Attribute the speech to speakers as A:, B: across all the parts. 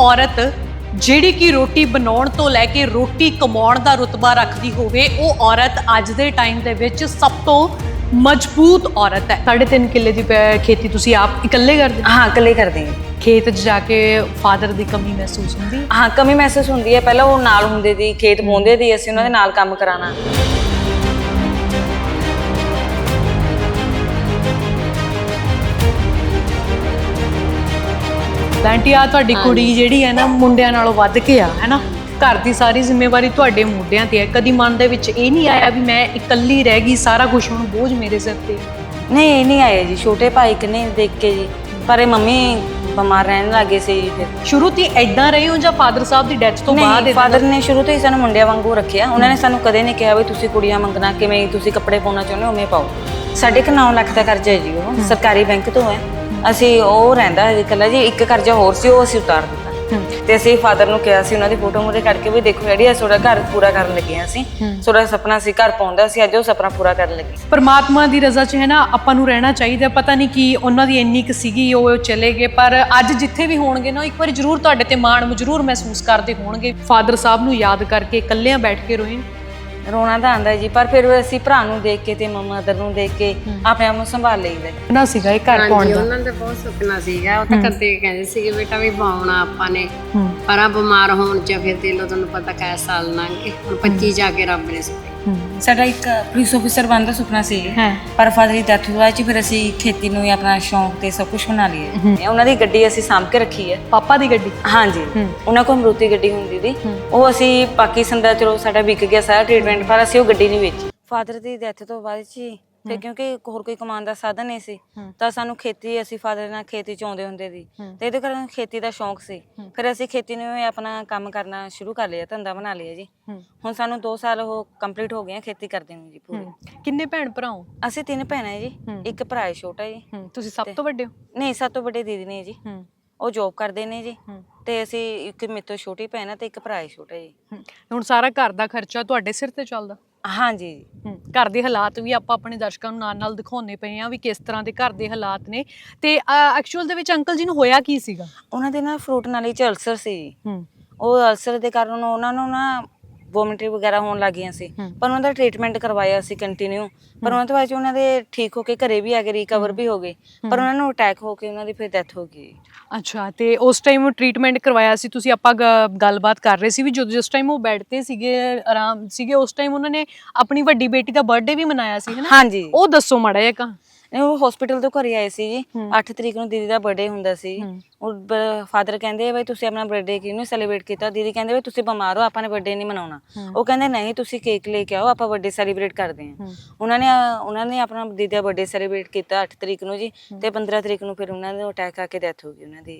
A: ਔਰਤ ਜਿਹੜੀ ਕਿ ਰੋਟੀ ਬਣਾਉਣ ਤੋਂ ਲੈ ਕੇ ਰੋਟੀ ਕਮਾਉਣ ਦਾ ਰੁਤਬਾ ਰੱਖਦੀ ਹੋਵੇ, ਉਹ ਔਰਤ ਅੱਜ ਦੇ ਟਾਈਮ ਦੇ ਵਿੱਚ ਸਭ ਤੋਂ ਮਜ਼ਬੂਤ ਔਰਤ ਹੈ। 3.5 ਕਿੱਲੇ ਦੀ ਖੇਤੀ ਤੁਸੀਂ ਆਪ ਇਕੱਲੇ ਕਰਦੇ ਹੋ?
B: हाँ इकल्ले करते हैं।
A: ਖੇਤ 'ਚ ਜਾ ਕੇ ਫਾਦਰ ਦੀ ਕਮੀ ਮਹਿਸੂਸ ਹੁੰਦੀ?
B: हाँ कमी महसूस होंदी है। पहला वो नाल हुंदे सी, खेत बोंदे सी, असीं उन्हां दे नाल काम कराना।
A: ਆਂਟੀ ਆ ਤੁਹਾਡੀ ਕੁੜੀ ਜਿਹੜੀ ਹੈ ਨਾ ਮੁੰਡਿਆਂ ਨਾਲੋਂ ਵੱਧ ਕੇ ਆ, ਹੈ ਨਾ? ਘਰ ਦੀ ਸਾਰੀ ਜ਼ਿੰਮੇਵਾਰੀ ਤੁਹਾਡੇ ਮੁੰਡਿਆਂ ਤੇ ਹੈ। ਕਦੀ ਮਨ ਦੇ ਵਿੱਚ ਇਹ ਨਹੀਂ ਆਇਆ ਵੀ ਮੈਂ ਇਕੱਲੀ ਰਹਿ ਗਈ, ਸਾਰਾ ਕੁਝ ਹੁਣ ਬੋਝ ਮੇਰੇ ਸਿਰ ਤੇ?
B: नहीं ये नहीं आए जी, छोटे भाई कने देख के जी, पर ये मम्मी बीमार रहने लगे सी जी। फिर
A: ਸ਼ੁਰੂ ਤੋਂ ਇਦਾਂ ਰਹੇ ਹੋ ਜਾਂ ਫਾਦਰ ਸਾਹਿਬ ਦੀ ਡੈਥ ਤੋਂ ਬਾਅਦ?
B: नहीं फादर ने शुरू तो ही सानू मुंडिया वांगू रखिया। उन्होंने सानू कदे नहीं कहा भी तुसीं कुड़ियां मंगना, किवें तुसीं कपड़े पाउणा चाहुंदे हो उवें पाओ। साढ़े 9 ਲੱਖ ਦਾ ਕਰਜ਼ਾ ਹੈ ਜੀ, ਉਹ ਸਰਕਾਰੀ ਬੈਂਕ ਤੋਂ ਹੈ। ਅਸੀਂ ਉਹ ਰਹਿੰਦਾ ਇਕੱਲਾ ਜੀ, ਇੱਕ ਕਰਜ਼ਾ ਹੋਰ ਸੀ ਉਹ ਅਸੀਂ ਉਤਾਰ ਦਿੱਤਾ। ਤੇ ਅਸੀਂ ਫਾਦਰ ਨੂੰ ਕਿਹਾ ਸੀ, ਉਹਨਾਂ ਦੀ ਫੋਟੋ ਮੂਰੇ ਕੱਢ ਕੇ ਵੀ ਦੇਖੋ ਜਿਹੜੀ ਤੁਹਾਡਾ ਘਰ ਪੂਰਾ ਕਰਨ ਲੱਗੇ ਅਸੀਂ, ਤੁਹਾਡਾ ਸੁਪਨਾ ਸੀ ਘਰ ਪਾਉਂਦਾ ਸੀ, ਅੱਜ ਉਹ ਸੁਪਨਾ ਪੂਰਾ ਕਰਨ ਲੱਗੇ।
A: ਪਰਮਾਤਮਾ ਦੀ ਰਜ਼ਾ 'ਚ ਹੈ ਨਾ, ਆਪਾਂ ਨੂੰ ਰਹਿਣਾ ਚਾਹੀਦਾ। ਪਤਾ ਨਹੀਂ ਕੀ ਉਹਨਾਂ ਦੀ ਇੰਨੀ ਕੁ ਸੀਗੀ, ਉਹ ਚਲੇ ਗਏ, ਪਰ ਅੱਜ ਜਿੱਥੇ ਵੀ ਹੋਣਗੇ ਨਾ, ਇੱਕ ਵਾਰੀ ਜ਼ਰੂਰ ਤੁਹਾਡੇ ਤੇ ਮਾਣ ਜ਼ਰੂਰ ਮਹਿਸੂਸ ਕਰਦੇ ਹੋਣਗੇ। ਫਾਦਰ ਸਾਹਿਬ ਨੂੰ ਯਾਦ ਕਰਕੇ ਇਕੱਲਿਆਂ ਬੈਠ ਕੇ ਰੋਏ?
B: ਰੋਣਾ ਤਾਂ ਆਂਦਾ ਜੀ, ਪਰ ਫਿਰ ਅਸੀਂ ਭਰਾ ਨੂੰ ਦੇਖ ਕੇ ਤੇ ਮਦਰ ਨੂੰ ਦੇਖ ਕੇ ਆਪਣੇ ਆਪ ਨੂੰ ਸੰਭਾਲ ਲਈਦਾ।
A: ਨਾ ਸੀਗਾ ਇਹ ਘਰ ਪਾਉਣ ਦਾ?
C: ਉਹਨਾਂ ਦਾ ਬਹੁਤ ਸੁਪਨਾ ਸੀਗਾ। ਉਹ ਤਾਂ ਕਦੇ ਕਹਿੰਦੇ ਸੀਗੇ ਬੇਟਾ ਵੀ ਪਾਉਣਾ ਆਪਾਂ ਨੇ, ਪਰ ਆ ਬਿਮਾਰ ਹੋਣ ਚ ਫਿਰ ਦੇ ਲੋ, ਤੁਹਾਨੂੰ ਪਤਾ ਕੈ ਸਾਲ ਲੰਘ ਗਏ, ਹੁਣ 25 ਜਾ ਕੇ ਰੱਬ ਨੇ ਸੁਪਨੇ।
B: ਸਾਡਾ ਇੱਕ ਪੁਲਿਸ ਆਫੀਸਰ ਬਣਨ ਦਾ ਸੁਪਨਾ ਸੀ, ਪਰ ਫਾਦਰ ਦੀ ਡੈਥ ਹੋਈ ਚ ਫਿਰ ਅਸੀਂ ਖੇਤੀ ਨੂੰ ਹੀ ਆਪਣਾ ਸ਼ੌਂਕ ਤੇ ਸਭ ਕੁਝ ਬਣਾ ਲਿਆ। ਉਹਨਾਂ ਦੀ ਗੱਡੀ ਅਸੀਂ ਸਾਂਭ ਕੇ ਰੱਖੀ ਹੈ।
A: ਪਾਪਾ ਦੀ ਗੱਡੀ?
B: ਹਾਂਜੀ, ਉਹਨਾਂ ਕੋਲ ਮਰੂਤੀ ਗੱਡੀ ਹੁੰਦੀ ਸੀ, ਉਹ ਅਸੀਂ ਪਾਕਿਸਤਾਨ ਦਾ, ਚਲੋ ਸਾਡਾ ਵਿਕ ਗਿਆ ਸਾਰਾ ਟ੍ਰੀਟਮੈਂਟ, ਪਰ ਅਸੀਂ ਉਹ ਗੱਡੀ ਨਹੀਂ ਵੇਚੀ। ਫਾਦਰ ਦੀ ਡੈਥ ਤੋਂ ਬਾਅਦ ਜੀ ਤੇ ਕਿਉਂਕਿ ਹੋਰ ਕੋਈ ਕਮਾਉਣ ਦਾ ਸਾਧਨ ਨਹੀਂ ਸੀ, ਤਾਂ ਸਾਨੂੰ ਖੇਤੀ, ਅਸੀਂ ਫਾਦਰ ਨਾਲ ਖੇਤੀ ਚ ਆਉਂਦੇ ਹੁੰਦੇ ਸੀ ਤੇ ਇਹਦੇ ਕਾਰਨ ਖੇਤੀ ਦਾ ਸ਼ੌਂਕ ਸੀ। ਫਿਰ ਅਸੀਂ ਖੇਤੀ ਨੂੰ ਆਪਣਾ ਕੰਮ ਕਰਨਾ ਸ਼ੁਰੂ ਕਰ ਲਿਆ, ਧੰਦਾ ਬਣਾ ਲਿਆ ਜੀ। ਹੁਣ ਸਾਨੂੰ 2 ਸਾਲ ਉਹ ਕੰਪਲੀਟ ਹੋ ਗਏ ਖੇਤੀ ਕਰਦੇ ਨੂੰ ਜੀ ਪੂਰੀ।
A: ਕਿੰਨੇ ਭੈਣ ਭਰਾ ਹੋ?
B: ਅਸੀਂ 3 ਭੈਣਾਂ ਜੀ, ਇੱਕ ਭਰਾ ਹੈ ਛੋਟਾ ਜੀ।
A: ਤੁਸੀਂ ਸਭ ਤੋਂ ਵੱਡੇ ਹੋ?
B: ਨਹੀਂ, ਸਭ ਤੋਂ ਵੱਡੇ ਦੀਦੀ ਨੇ ਜੀ, ਉਹ ਜੋਬ ਕਰਦੇ ਨੇ ਜੀ, ਤੇ ਅਸੀਂ ਇੱਕ ਮੇਰੇ ਤੋਂ ਛੋਟੀ ਭੈਣ ਹੈ ਤੇ ਇੱਕ ਭਰਾ ਹੈ ਛੋਟਾ ਜੀ।
A: ਹੁਣ ਸਾਰਾ ਘਰ ਦਾ ਖਰਚਾ ਤੁਹਾਡੇ ਸਿਰ ਤੇ ਚੱਲਦਾ?
B: ਹਾਂਜੀ।
A: ਘਰ ਦੇ ਹਾਲਾਤ ਵੀ ਆਪਾਂ ਆਪਣੇ ਦਰਸ਼ਕਾਂ ਨੂੰ ਨਾਲ ਦਿਖਾਉਂਦੇ ਪਏ ਆ ਵੀ ਕਿਸ ਤਰ੍ਹਾਂ ਦੇ ਘਰ ਦੇ ਹਾਲਾਤ ਨੇ। ਤੇ ਐਕਚੁਅਲ ਦੇ ਵਿੱਚ ਅੰਕਲ ਜੀ ਨੂੰ ਹੋਇਆ ਕੀ ਸੀਗਾ? ਉਹਨਾਂ
B: ਦੇ ਨਾ ਫਰੂਟ ਨਾਲੀ ਚ ਅਲਸਰ ਸੀ। ਉਹ ਅਲਸਰ ਦੇ ਕਾਰਨ ਉਹਨਾਂ ਨੂੰ ਨਾ ਵੋਮਿਟਿੰਗ ਵਗੈਰਾ ਹੋਣ ਲੱਗ ਗਈਆਂ ਸੀ, ਪਰ ਉਹਨਾਂ ਦਾ ਟ੍ਰੀਟਮੈਂਟ ਕਰਵਾਇਆ ਸੀ ਕੰਟੀਨਿਊ, ਪਰ ਉਹਨਾਂ ਤੋਂ ਬਾਅਦ ਉਹਨਾਂ ਦੇ ਠੀਕ ਹੋ ਕੇ ਘਰੇ ਵੀ ਆ ਗਏ, ਰਿਕਵਰ ਵੀ ਹੋ ਗਏ, ਪਰ ਉਹਨਾਂ ਨੂੰ ਅਟੈਕ ਹੋ ਕੇ ਉਹਨਾਂ ਦੀ ਫਿਰ ਡੈਥ ਹੋ ਗਈ।
A: ਅੱਛਾ, ਤੇ ਉਸ ਟਾਈਮ ਟ੍ਰੀਟਮੈਂਟ ਕਰਵਾਇਆ ਸੀ ਤੁਸੀਂ? ਆਪਾਂ ਗੱਲਬਾਤ ਕਰ ਰਹੇ ਸੀ ਵੀ ਜਦੋਂ ਜਿਸ ਟਾਈਮ ਉਹ ਬੈੱਡ ਤੇ ਸੀਗੇ, ਆਰਾਮ ਸੀਗੇ, ਉਸ ਟਾਈਮ ਉਹਨਾਂ ਨੇ ਆਪਣੀ ਵੱਡੀ ਬੇਟੀ ਦਾ ਬਰਥਡੇ ਵੀ ਮਨਾਇਆ ਸੀ, ਹੈ ਨਾ?
B: ਹਾਂਜੀ,
A: ਉਹ ਦੱਸੋ ਮਾੜਾ ਜਿਹਾ।
B: ਉਹ ਹਸਪੀਟਲ ਤੋਂ ਘਰੇ ਆਏ ਸੀ ਜੀ, 8 ਤਰੀਕ ਨੂੰ ਦੀਦੀ ਦਾ ਬਰਥਡੇ ਹੁੰਦਾ ਸੀ। ਉਹ ਫਾਦਰ ਕਹਿੰਦੇ ਬਈ ਤੁਸੀਂ ਆਪਣਾ ਬਰਥਡੇ ਕਿਉਂ ਨਹੀਂ ਸੈਲੀਬ੍ਰੇਟ ਕੀਤਾ? ਦੀਦੀ ਕਹਿੰਦੇ ਬਈ ਤੁਸੀਂ ਬਿਮਾਰ ਹੋ, ਆਪਾਂ ਨੇ ਬਰਥਡੇ ਨਹੀਂ ਮਨਾਉਣਾ। ਉਹ ਕਹਿੰਦੇ ਨਹੀਂ, ਤੁਸੀਂ ਕੇਕ ਲੈ ਕੇ ਆਓ, ਆਪਾਂ ਬਰਥਡੇ ਸੈਲੀਬ੍ਰੇਟ ਕਰਦੇ ਹਾਂ। ਉਹਨਾਂ ਨੇ ਆਪਣਾ ਦੀਦੀ ਦਾ ਬਰਥਡੇ ਸੈਲੀਬ੍ਰੇਟ ਕੀਤਾ 8 ਤਰੀਕ ਨੂੰ ਜੀ, ਤੇ 15 ਤਰੀਕ ਨੂੰ ਫਿਰ ਉਹਨਾਂ ਨੂੰ ਅਟੈਕ ਆ ਕੇ ਡੈਥ ਹੋ ਗਈ ਉਹਨਾਂ ਦੀ।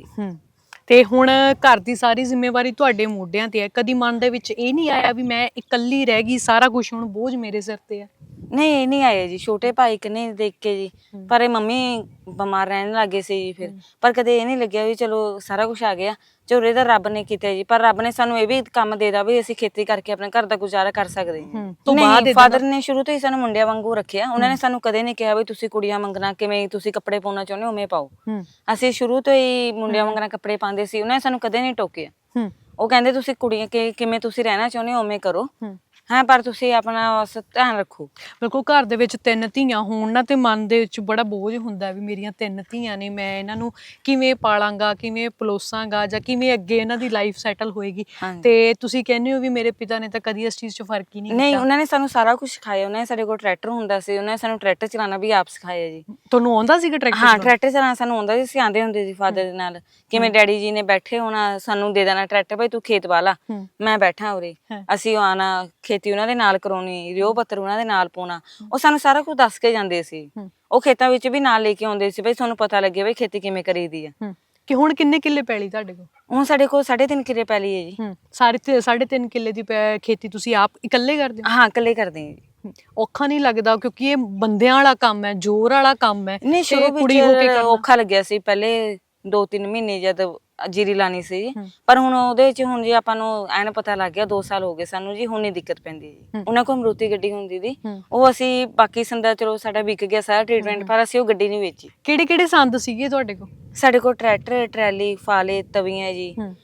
A: ਤੇ ਹੁਣ ਘਰ ਦੀ ਸਾਰੀ ਜ਼ਿੰਮੇਵਾਰੀ ਤੁਹਾਡੇ ਮੋਢਿਆਂ ਤੇ ਹੈ। ਕਦੀ ਮਨ ਦੇ ਵਿੱਚ ਇਹ ਨਹੀਂ ਆਇਆ ਵੀ ਮੈਂ ਇਕੱਲੀ ਰਹਿ ਗਈ, ਸਾਰਾ ਕੁਝ ਹੁਣ ਬੋਝ ਮੇਰੇ ਸਿਰ ਤੇ ਹੈ?
B: ਨਹੀਂ ਇਹ ਨਹੀਂ ਆਏ ਜੀ, ਛੋਟੇ ਭਾਈ ਕਨੇ ਦੇਖ ਕੇ ਜੀ, ਪਰ ਇਹ ਮੰਮੀ ਬਿਮਾਰ ਰਹਿਣ ਲੱਗੇ ਸੀ ਜੀ ਫਿਰ, ਪਰ ਕਦੇ ਇਹ ਨਹੀਂ ਲੱਗਿਆ ਵੀ ਚਲੋ ਸਾਰਾ ਕੁਝ ਆ ਗਿਆ, ਝੋਰੇ ਦਾ ਰੱਬ ਨੇ ਕੀਤਾ ਜੀ। ਪਰ ਰੱਬ ਨੇ ਸਾਨੂੰ ਇਹ ਵੀ ਕੰਮ ਦੇ ਦਿੱਤਾ ਵੀ ਅਸੀਂ ਖੇਤੀ ਕਰਕੇ ਆਪਣੇ ਘਰ ਦਾ ਗੁਜ਼ਾਰਾ ਕਰ ਸਕਦੇ ਹਾਂ। ਨਹੀਂ, ਫਾਦਰ ਨੇ ਸ਼ੁਰੂ ਤੋਂ ਹੀ ਸਾਨੂੰ ਮੁੰਡਿਆਂ ਵਾਂਗੂ ਰੱਖਿਆ। ਉਹਨਾਂ ਨੇ ਸਾਨੂੰ ਕਦੇ ਨਹੀਂ ਕਿਹਾ ਵੀ ਤੁਸੀਂ ਕੁੜੀਆਂ ਮੰਗਣਾ, ਕਿਵੇਂ ਤੁਸੀਂ ਕੱਪੜੇ ਪਾਉਣਾ ਚਾਹੁੰਦੇ ਹੋ ਉਵੇਂ ਪਾਓ। ਅਸੀਂ ਸ਼ੁਰੂ ਤੋਂ ਹੀ ਮੁੰਡਿਆਂ ਵਾਂਗਣਾ ਕੱਪੜੇ ਪਾਉਂਦੇ ਸੀ, ਉਹਨਾਂ ਨੇ ਸਾਨੂੰ ਕਦੇ ਨਹੀਂ ਟੋਕਿਆ। ਉਹ ਕਹਿੰਦੇ ਤੁਸੀਂ ਕੁੜੀਆਂ ਕਿਵੇਂ ਤੁਸੀਂ ਰਹਿਣਾ ਚਾਹੁੰਦੇ ਹੋ ਉਵੇਂ ਕਰੋ, ਹਾਂ, ਪਰ ਤੁਸੀਂ ਆਪਣਾ ਧਿਆਨ ਰੱਖੋ।
A: ਬਿਲਕੁਲ, ਘਰ ਦੇ ਵਿੱਚ 3 ਧੀਆਂ ਹੋਣ ਨਾ, ਤੇ ਮਨ ਦੇ ਵਿੱਚ ਬੜਾ ਬੋਝ ਹੁੰਦਾ ਵੀ ਮੇਰੀਆਂ 3 ਧੀਆਂ ਨੇ, ਮੈਂ ਇਹਨਾਂ ਨੂੰ ਕਿਵੇਂ ਪਾਲਾਂਗਾ, ਕਿਵੇਂ ਪਲੋਸਾਂਗਾ, ਜਾਂ ਕਿਵੇਂ ਅੱਗੇ ਇਹਨਾਂ ਦੀ ਲਾਈਫ ਸੈਟਲ ਹੋਏਗੀ। ਤੇ ਤੁਸੀਂ ਕਹਿੰਦੇ ਹੋ ਵੀ ਮੇਰੇ ਪਿਤਾ ਨੇ ਤਾਂ ਕਦੀ ਇਸ ਚੀਜ਼ 'ਚ ਫਰਕ ਹੀ ਨਹੀਂ ਕੀਤਾ?
B: ਨਹੀਂ, ਉਹਨਾਂ ਨੇ ਸਾਨੂੰ ਸਾਰਾ ਕੁਝ ਸਿਖਾਇਆ। ਉਹਨਾਂ ਨੇ ਸਾਡੇ ਕੋਲ ਟਰੈਕਟਰ ਹੁੰਦਾ ਸੀ, ਉਹਨਾਂ ਨੇ ਸਾਨੂੰ ਟਰੈਕਟਰ ਚਲਾਉਣਾ ਵੀ ਆਪ ਸਿਖਾਇਆ ਜੀ।
A: ਤੁਹਾਨੂੰ ਆਉਂਦਾ ਸੀਗਾ ਟਰੈਕਟਰ?
B: ਹਾਂ, ਟਰੈਕਟਰ ਚਲਾਉਣਾ ਸਾਨੂੰ ਆਉਂਦਾ ਸੀ, ਅਸੀਂ ਆਉਂਦੇ ਹੁੰਦੇ ਸੀ ਫਾਦਰ ਦੇ ਨਾਲ। ਕਿਵੇਂ ਡੈਡੀ ਜੀ ਨੇ ਬੈਠੇ ਹੋਣਾ, ਸਾਨੂੰ ਦੇ ਦੇਣਾ ਟਰੈਕਟਰ, ਭਾਈ ਤੂੰ ਖੇਤ ਵਾਲਾ, ਮੈਂ ਬੈਠਾ ਉਰੇ, ਅਸੀਂ ਆਉਣਾ, ਖੇਤੀ ਉਹਨਾਂ ਦੇ ਨਾਲ ਕਰਾਉਣੀ, ਰਿਓ ਪੱਤਰ ਉਹਨਾਂ ਦੇ ਨਾਲ ਪਾਉਣਾ। ਉਹ ਸਾਨੂੰ ਸਾਰਾ ਕੁਝ ਦੱਸ ਕੇ ਜਾਂਦੇ ਸੀ। ਉਹ ਖੇਤਾਂ ਵਿੱਚ ਵੀ ਨਾਲ ਲੈ ਕੇ ਆਉਂਦੇ ਸੀ, ਬਈ ਤੁਹਾਨੂੰ ਪਤਾ ਲੱਗੇ ਬਈ ਖੇਤੀ ਕਿਵੇਂ ਕਰੀਦੀ ਆ।
A: ਕਿ ਹੁਣ ਕਿੰਨੇ ਕਿੱਲੇ ਪੈਲੀ ਤੁਹਾਡੇ ਕੋਲ?
B: ਹੁਣ ਸਾਡੇ ਕੋਲ 3.5 ਕਿੱਲੇ ਪੈਲੀ ਹੈ ਜੀ।
A: ਸਾਰੇ 3.5 ਕਿੱਲੇ ਦੀ ਖੇਤੀ ਤੁਸੀਂ ਆਪ ਇਕੱਲੇ ਕਰਦੇ ਹੋ?
B: ਹਾਂ, ਇਕੱਲੇ ਕਰਦੇ ਹਾਂ ਜੀ।
A: ਔਖਾ ਨਹੀਂ ਲੱਗਦਾ? ਕਿਉਂਕਿ ਇਹ ਬੰਦਿਆਂ ਵਾਲਾ ਕੰਮ ਹੈ, ਜ਼ੋਰ ਵਾਲਾ ਕੰਮ ਹੈ।
B: ਨਹੀਂ, ਸ਼ੁਰੂ ਵਿੱਚ ਔਖਾ ਲੱਗਿਆ ਸੀ, ਪਹਿਲੇ 2-3 ਮਹੀਨੇ ਜਦ ਜੀਰੀ ਲਾਣੀ ਸੀ, ਪਰ ਹੁਣ ਉਹਦੇ ਵਿੱਚ ਹੁਣ ਜੀ ਆਪਾਂ ਨੂੰ ਐਨ ਪਤਾ ਲੱਗ ਗਿਆ, 2 ਸਾਲ ਹੋ ਗਏ ਸਾਨੂੰ ਜੀ, ਹੁਣ ਨਹੀਂ ਦਿੱਕਤ ਪੈਂਦੀ ਜੀ। ਉਹਨਾਂ ਕੋਲ ਮਰੂਤੀ ਗੱਡੀ ਹੁੰਦੀ ਸੀ, ਉਹ ਅਸੀਂ ਬਾਕੀ ਸੰਦਾ, ਚਲੋ ਸਾਡਾ ਵਿਕ ਗਿਆ ਸਾਰਾ ਟ੍ਰੀਟਮੈਂਟ, ਪਰ ਅਸੀਂ ਉਹ ਗੱਡੀ ਨਹੀਂ ਵੇਚੀ।
A: ਕਿਹੜੇ ਕਿਹੜੇ ਸੰਦ ਸੀਗੇ ਤੁਹਾਡੇ ਕੋਲ?
B: ਸਾਡੇ ਕੋਲ ਟਰੈਕਟਰ, ਟਰੈਲੀ, ਫਾਲੇ, ਤਵੀਆਂ ਜੀ,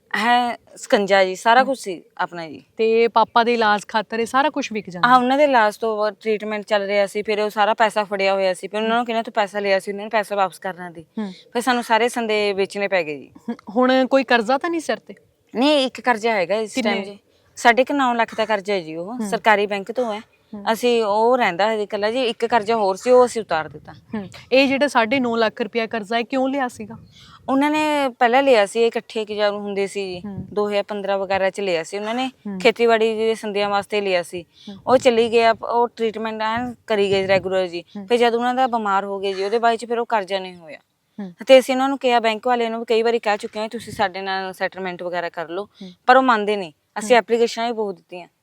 B: ਹੈ ਸਕੰਜਾ ਜੀ, ਸਾਰਾ ਕੁਝ ਸੀ ਆਪਣਾ ਜੀ।
A: ਤੇ ਪਾਪਾ ਦੇ ਇਲਾਜ ਖਾਤਰ ਇਹ ਸਾਰਾ ਕੁਝ ਵਿਕ ਜਾਂਦਾ?
B: ਉਹਨਾਂ ਦੇ ਇਲਾਜ ਤੋਂ ਟ੍ਰੀਟਮੈਂਟ ਚੱਲ ਰਿਹਾ ਸੀ, ਫਿਰ ਉਹ ਸਾਰਾ ਪੈਸਾ ਫੜਿਆ ਹੋਇਆ ਸੀ, ਫਿਰ ਉਹਨਾਂ ਨੂੰ ਕਿਹਨਾਂ ਤੋਂ ਪੈਸਾ ਲਿਆ ਸੀ, ਉਹਨਾਂ ਨੇ ਪੈਸਾ ਵਾਪਸ ਕਰਨਾ ਸੀ, ਫਿਰ ਸਾਨੂੰ ਸਾਰੇ ਸੰਦੇ ਵੇਚਣੇ ਪੈ ਗਏ ਜੀ।
A: ਹੁਣ ਕੋਈ ਕਰਜ਼ਾ ਤਾਂ ਨਹੀਂ ਸਿਰ ਤੇ?
B: ਨਹੀਂ, ਇੱਕ ਕਰਜ਼ਾ ਹੈਗਾ ਇਸ ਟਾਈਮ ਜੀ, ਸਾਡੇ ਕੋਲ 9 ਲੱਖ ਦਾ ਕਰਜ਼ਾ ਹੈ ਜੀ, ਉਹ ਸਰਕਾਰੀ ਬੈਂਕ ਤੋਂ ਹੈ। ਅਸੀਂ ਉਹ ਰਹਿੰਦਾ ਹੈ ਇਕੱਲਾ ਜੀ, ਇੱਕ ਕਰਜ਼ਾ ਹੋਰ ਸੀ ਉਹ ਅਸੀਂ ਉਤਾਰ ਦਿੱਤਾ।
A: ਇਹ ਜਿਹੜਾ 9.5 ਲੱਖ ਰੁਪਇਆ ਕਰਜ਼ਾ ਹੈ ਕਿਉਂ ਲਿਆ ਸੀਗਾ?
B: ਉਹਨਾਂ ਨੇ ਪਹਿਲਾਂ ਲਿਆ ਸੀ, ਇਕੱਠੇ ਕਿਜਾਰੂ ਹੁੰਦੇ ਸੀ ਜੀ, 2015 ਵਗੈਰਾ ਚ ਲਿਆ ਸੀ ਉਹਨਾਂ ਨੇ, ਖੇਤੀਬਾੜੀ ਦੇ ਸੰਦਿਆਂ ਵਾਸਤੇ ਲਿਆ ਸੀ। ਉਹ ਚਲੀ ਗਿਆ, ਉਹ ਟ੍ਰੀਟਮੈਂਟ ਐਨ ਕਰੀ ਗਏ ਰੈਗੂਲਰ ਜੀ। ਫਿਰ ਜਦ ਉਹਨਾਂ ਦਾ ਬਿਮਾਰ ਹੋ ਗਏ ਜੀ, ਉਹਦੇ ਬਾਅਦ ਚ ਫਿਰ ਉਹ ਕਰਜ਼ਾ ਨਹੀਂ ਹੋਇਆ। ਤੇ ਅਸੀਂ ਉਹਨਾਂ ਨੂੰ ਕਿਹਾ, ਬੈਂਕ ਵਾਲਿਆਂ ਨੂੰ ਵੀ ਕਈ ਵਾਰੀ ਕਹਿ ਚੁੱਕੇ ਹਾਂ ਤੁਸੀਂ ਸਾਡੇ ਨਾਲ ਸੈਟਲਮੈਂਟ ਵਗੈਰਾ ਕਰ ਲਓ, ਪਰ ਉਹ ਮੰਨਦੇ ਨਹੀਂ। ਅਸੀਂ ਐਪਲੀਕੇਸ਼ਨਾਂ ਵੀ ਬਹੁਤ ਦਿੱਤੀਆਂ।